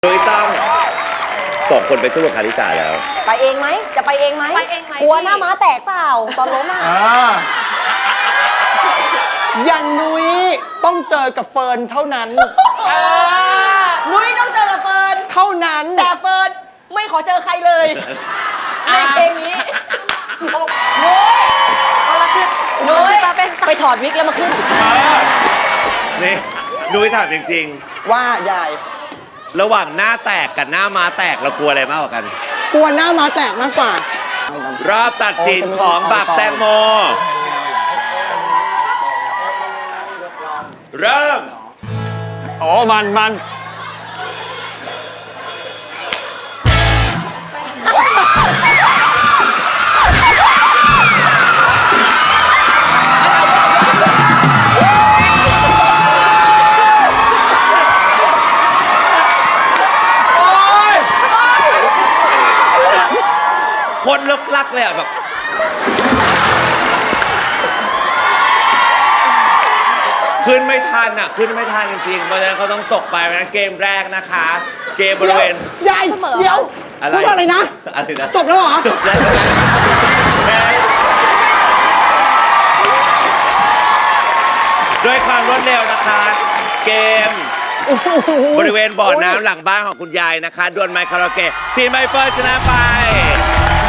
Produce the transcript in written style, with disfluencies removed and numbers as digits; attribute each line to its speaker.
Speaker 1: โดยต้องส่งคนไปสู้กับคาริสาแล้ว
Speaker 2: ไปเองไหมจะไปเองไหม
Speaker 3: ไปเองไหม
Speaker 2: กลัวหน้าม้าแตกเปล่าตอนล้มอ่ะ
Speaker 4: อย่างนุ้ยต้องเจอกับเฟิร์นเท่านั้น
Speaker 2: นุ้ยต้องเจอกับเฟิร์น
Speaker 4: เท่านั้น
Speaker 2: แต่เฟิร์นไม่ขอเจอใครเลย ในเพลงนี้นุ้ย
Speaker 3: เอาละคือ
Speaker 2: นุ้ย
Speaker 3: ตาเป็น
Speaker 2: ไปถอดวิกแล้วมาขึ้น
Speaker 1: นี่นุ้ยถามจริง
Speaker 4: ว่ายาย
Speaker 1: ๆ ระหว่างหน้าแตกกับหน้าม้าแตกเรากลัวอะไรมากกว่ากัน
Speaker 4: กลัวหน้ามาแตกมากกว่า
Speaker 1: รอบตัดสินของบักแตงโม เริ่ม
Speaker 5: โอ้มัน
Speaker 1: คนลึกลักเลยอ่ะแบบขึ้นไม่ทันอ่ะขึ้นไม่ทันจริงๆเพราะฉะนั้นเขาต้องตกไปนะเกมแรกนะคะ เกมบริเวณ
Speaker 4: ยายเดี๋ยว
Speaker 1: อะไร
Speaker 4: พูดว่าอะไรนะ
Speaker 1: อะไรนะ
Speaker 4: จบแล้วเหรอ
Speaker 1: จบแล้วด้วยความรวดเร็วนะคะ เกมบริเวณบ่อน้ำหลังบ้านของคุณยายนะคะดวลไมค์คาราโอเกะทีมใบเฟิร์นชนะไป